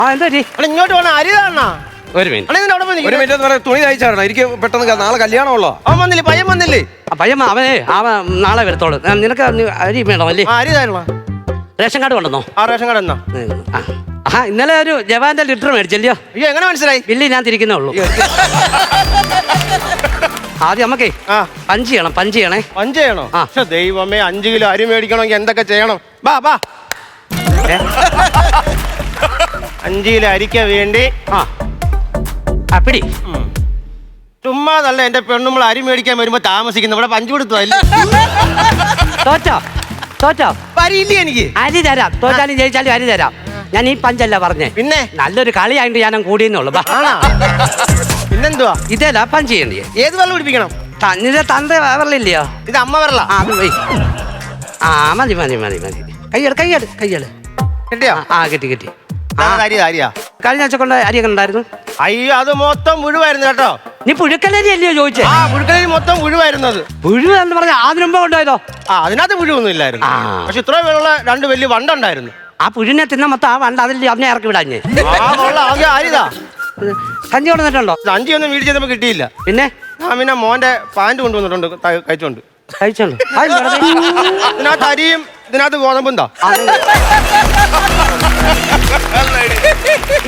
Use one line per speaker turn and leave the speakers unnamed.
ആ എന്താ പറ്റി?
അല്ല ഇങ്ങോട്ട് വേണം അരി കാണാ.
ഒരു മിനിറ്റ്.
ഒരു മിനിറ്റ് എന്ന് പറയാം, തുണി തയ്ച്ചാണോ? എനിക്ക് പെട്ടെന്ന് നാളെ കല്യാണമുള്ളോ?
അവൻ വന്നില്ലേ? പയ്യൻ വന്നില്ലേ?
പയ്യമ്മ അവൻ നാളെ വരത്തോളൂ. നിനക്ക് അരി വേണോ അല്ലേ?
അരി തരണോ?
റേഷൻ കാർഡ് കൊണ്ടുവന്നോ?
ആ റേഷൻ കാർഡ് എന്നാ?
ഇന്നലെ ഒരു ജവാന്റെ ലിറ്റർ മേടിച്ചല്ലോ.
അയ്യോ എങ്ങനെ മനസ്സിലായി?
ബില്ല് ഞാൻ തിരിക്കുന്നേ ഉള്ളൂ. ആദ്യം നമുക്കേ പഞ്ച് ചെയ്യണം. പഞ്ച് ചെയ്യണോ? പക്ഷെ
ദൈവമേ, 5 കിലോ അരി മേടിക്കണമെങ്കിൽ എന്തൊക്കെ ചെയ്യണം? ബാ 5 കിലോ അരിക്ക് വേണ്ടി
പിടി.
ചുമ്മാതല്ല എന്റെ പെണ്ണുമ്പോൾ അരി മേടിക്കാൻ വരുമ്പോ താമസിക്കുന്നു. ഇവിടെ പഞ്ച് കൊടുത്തു
തോറ്റോ
പരിയില്ലേ എനിക്ക്?
അരി തരാം. തോറ്റാലും ജയിച്ചാലും അരി തരാം. ഞാൻ ഈ പഞ്ചല്ല പറഞ്ഞേ,
പിന്നെ
നല്ലൊരു കളിയായിട്ട് ഞാൻ കൂടിയെന്നുള്ളു.
പിന്നെന്തുവാ?
ഇതേലാ പഞ്ച് ചെയ്യണ്ടേ?
ഏത് വെള്ളം പിടിപ്പിക്കണം?
തന്നിന്റെ തന്ത വരലില്ലയോ?
ഇത് അമ്മ വരല.
മതി മതി മതി മതി. കയ്യട്
കിട്ടിയോ?
കിട്ടി.
അരിയാ
കഴിഞ്ഞ ആഴ്ച കൊണ്ട് അരിയൊക്കെ ഉണ്ടായിരുന്നു.
അയ്യോ അത് മൊത്തം മുഴുവായിരുന്നു കേട്ടോ.
നീ പുഴുക്കലരി അല്ലയോ ചോദിച്ചേ?
പുഴുക്കലരി മൊത്തം മുഴുവായിരുന്നത്.
പുഴു എന്ന് പറഞ്ഞ അതിനു മുമ്പ് കൊണ്ടുപോയതോ?
അതിനകത്ത് പുഴുവൊന്നും ഇല്ലായിരുന്നു. പക്ഷെ ഇത്രയും പേരുള്ള 2 വലിയ വണ്ടുണ്ടായിരുന്നു.
ആ പുഴുവിനെ തിന്ന മൊത്തം ആ വണ്ട അതിൽ അതിനെ ഇറക്കി വിടാഞ്ഞേ.
അരിതാ
സഞ്ചി കൊണ്ടുവന്നിട്ടുണ്ടോ?
സഞ്ചിയൊന്നും വീട് ചെയ്തപ്പോ കിട്ടിയില്ല.
പിന്നെ
പിന്നെ മോന്റെ പാന്റ് കൊണ്ടുവന്നിട്ടുണ്ട് കഴിച്ചോണ്ട്.
കഴിച്ചോളൂ.
ഇതിനകത്ത് അരിയും ഇതിനകത്ത് ഗോതമ്പും.